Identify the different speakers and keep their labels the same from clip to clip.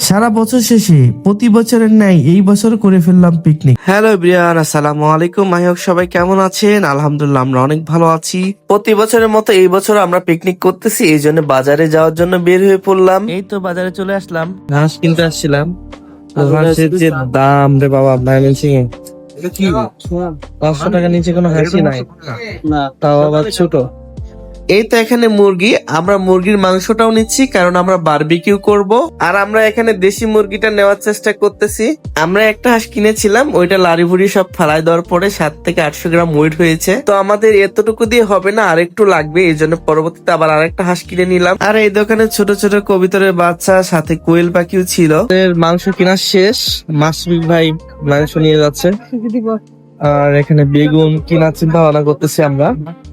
Speaker 1: সারা বছর শেষে প্রতি বছরের ন্যায় এই বছর করে ফেললাম পিকনিক।
Speaker 2: হ্যালো এভরিওয়ান, আসসালামু আলাইকুম। মাহিক সবাই কেমন আছেন? আলহামদুলিল্লাহ আমরা অনেক ভালো আছি। প্রতি বছরের মতো এই বছর আমরা পিকনিক করতেছি, এই জন্য বাজারে যাওয়ার জন্য বের হয়ে পড়লাম। এই তো বাজারে চলে আসলাম, ঘাস কিনতে আসছিলাম। ঘাসের যে দাম রে বাবা, ময়মনসিং এ 500 টাকা নিচে কোনো হাসি নাই, তাও আবার ছোট। এই তো এখানে মুরগি, আমরা মুরগির মাংসটাও নিচ্ছি কারণ আমরা বারবিকিউ করব। আর আমরা এখানে দেশি মুরগিটা নেওয়ার চেষ্টা করতেছি। আমরা একটা হাঁস কিনেছিলাম, ওইটা লাড়ি ভুড়ি সব ফালাই দেওয়ার পরে 700 থেকে 800 গ্রাম ওয়েট হয়েছে। তো আমাদের এতটুকু দিয়ে হবে না, আরেকটু লাগবে, এই জন্য পরবর্তীতে আবার আরেকটা হাঁস কিনে নিলাম। আর এই দোকানে ছোট ছোট কবিতরের বাচ্চা, সাথে কোয়েল পাখিও ছিল। মাংস কেনা শেষ, মাসুক ভাই মাংস নিয়ে যাচ্ছে। আর এখানে বেগুন কেনার চিন্তা ভাবনা করতেছি আমরা।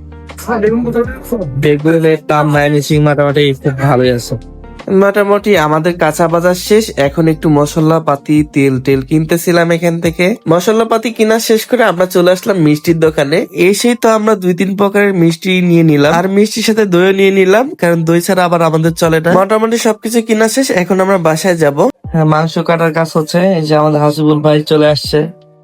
Speaker 2: বেগুনের দাম ময়মনসিং মোটামুটি খুব ভালোই আছে। মোটামুটি আমাদের কাঁচা বাজার শেষ, এখন একটু মশলা পাতি তেল কিনতেছিলাম এখান থেকে। মশলা পাতি কিনা শেষ করে আমরা চলে আসলাম মিষ্টির দোকানে। এসেই তো আমরা 2-3 প্রকারের মিষ্টি নিয়ে নিলাম, আর মিষ্টির সাথে দইও নিয়ে নিলাম, কারণ দই ছাড়া আবার আমাদের চলে না। মোটামুটি সবকিছু কিনা শেষ, এখন আমরা বাসায় যাব। হ্যাঁ, মাংস কাটার কাজ হচ্ছে। এই যে আমাদের হাসিবুল ভাই চলে আসছে।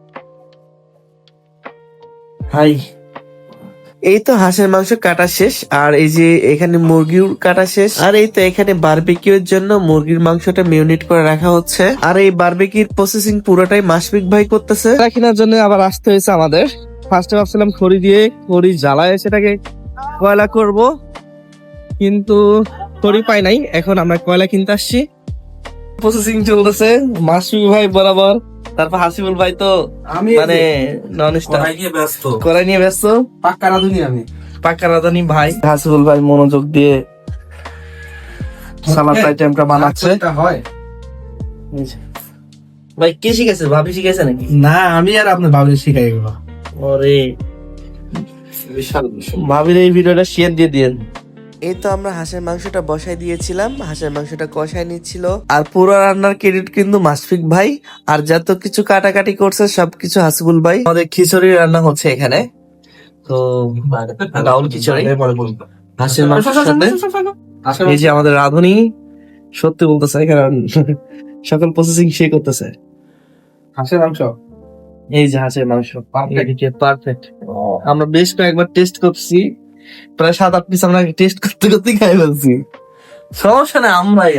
Speaker 2: হাই। এই তো হাঁসের মাংস কাটা শেষ, আর এই যে এখানে মুরগির কাটা শেষ, আর এই তো এখানে বারবিকিউর জন্য মুরগির মাংসটা মেরিনেট করে রাখা হচ্ছে। আর এই বারবিকিউর প্রসেসিং পুরোটাই মাসফিক ভাই করতেছে। কেনার জন্য আবার আসতে হয়েছে আমাদের। ফার্স্টে ভাবছিলাম খড়ি জ্বালায় সেটাকে কয়লা করব, কিন্তু খড়ি পাই নাই, এখন আমরা কয়লা কিনতে আসছি। প্রসেসিং চলতেছে মাসফিক ভাই বরাবর, তারপর হাসিবুল ভাই তো মানে নন স্টপ কড়াই নিয়ে ব্যস্ত। পাক্কা রাঁধুনি ভাই। হাসিবুল ভাই মনোযোগ দিয়ে সালাদ আইটেমটা বানাচ্ছে। ভাই কে শিখেছে? ভাবি শিখেছে নাকি?
Speaker 1: না, আমি আর আপনার ভাবি শিখাই গেল।
Speaker 2: ওরে ভাবির এই ভিডিওটা শেয়ার দিয়ে দিয়েন। এই তো আমরা হাঁসের মাংসটা বসাই দিয়েছিলাম, হাঁসের মাংসটা কষাই নিচ্ছিল। আর পুরো রান্নার ক্রেডিট কিন্তু মাসফিক ভাই, আর যত কিছু কাটাকাটি করছে সবকিছু হাসিবুল ভাই। আমাদের খিচুড়ি রান্না হচ্ছে এখানে, তো ডাউল খিচুড়ি হাঁসের মাংসের সাথে। এই যে আমাদের রাঁধুনি সত্যি বলতেছে, কারণ সকল প্রসেসিং সে করতেছে।
Speaker 1: হাঁসের মাংস,
Speaker 2: এই যে হাঁসের মাংস পারফেক্ট। আমরা বেশ কয়েকবার টেস্ট করছি, প্রায় 7-8 পিস আমরা টেস্ট করতে করতে খাই ফেলছি। সমস্যা না, আমরাই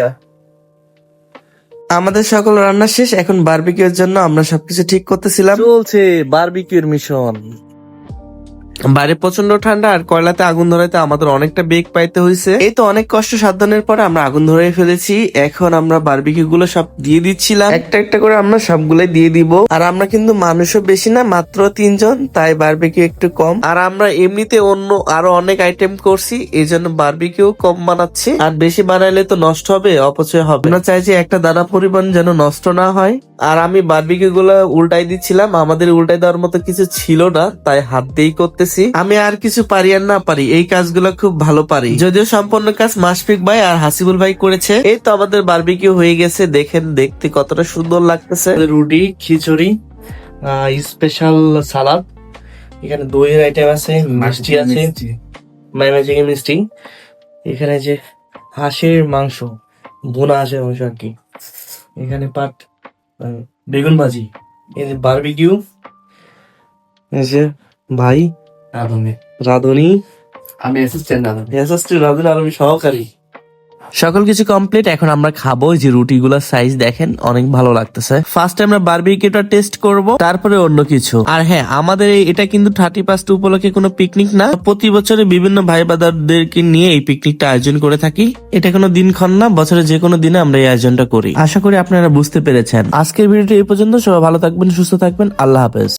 Speaker 2: আমাদের সকল রান্না শেষ, এখন বারবিকিউর জন্য আমরা সবকিছু ঠিক করতেছিলাম। চলছে বারবিকিউর মিশন। বাইরে প্রচন্ড ঠান্ডা, আর কয়লাতে আগুন ধরাইতে আমাদের অনেকটা বেগ পাইতে হয়েছে। এই তো অনেক কষ্ট সাধনের পরে আমরা আগুন ধরে ফেলেছি। এখন আমরা বারবিকিউ গুলো সব দিয়ে দিচ্ছিলাম, একটা একটা করে আমরা সবগুলাই দিয়ে দিব। আর আমরা কিন্তু মানুষও বেশি না, মাত্র 3 জন, তাই বারবিকিউ একটু কম। আর আমরা এমনিতে অন্য আরো অনেক আইটেম করছি, এই জন্য বারবিকিউ কম বানাচ্ছি। আর বেশি বানাইলে তো নষ্ট হবে, অপচয় হবে। আমরা চাই যে একটা দানা পরিমাণ যেন নষ্ট না হয়। আর আমি বারবিকিউ গুলো উল্টাই দিচ্ছিলাম, আমাদের উল্টাই দেওয়ার মতো কিছু ছিল না, তাই হাত দিয়েই করতেছি। আমি আর কিছু পারি আর না পারি, এই কাজগুলো খুব ভালো পারি। যদিও সম্পূর্ণ কাজ মাসফিক ভাই আর হাসিবুল ভাই করেছে। এই তো আমাদের বারবিকিউ হয়ে গেছে, দেখেন দেখতে কতটা সুন্দর লাগতেছে। রুটি, খিচুড়ি, স্পেশাল সালাদ, এখানে দইয়ের আইটেম আছে, মিষ্টি আছে, ময়মনসিং মিষ্টি, এখানে যে হাঁসের মাংস, বোনা হাঁসের মাংস আর কি, এখানে পাট বেগুন ভাজি, এই যে বারবিকিউ, এই যে ভাই রাঁধুনি, আমি অ্যাসিস্ট্যান্ট রাঁধুনি, আর আমি সহকারী। সকল কিছু কমপ্লিট, এখন আমরা খাবো। যে রুটি গুলার সাইজ দেখেন, অনেক ভালো লাগতেছে। ফার্স্ট আমরা বারবিকিউটা টেস্ট করব, তারপরে অন্য কিছু। আর হ্যাঁ, আমাদের এটা কিন্তু 31st উপলক্ষে কোনো পিকনিক না, প্রতি বছরে বিভিন্ন ভাই বাদারদেরকে নিয়ে এই পিকনিকটা আয়োজন করে থাকি। এটা কোনো দিনক্ষণ না, বছরে যে কোনো দিনে আমরা এই আয়োজনটা করি। আশা করি আপনারা বুঝতে পেরেছেন। আজকের ভিডিওটা এই পর্যন্ত। সবাই ভালো থাকবেন, সুস্থ থাকবেন, আল্লাহ হাফেজ।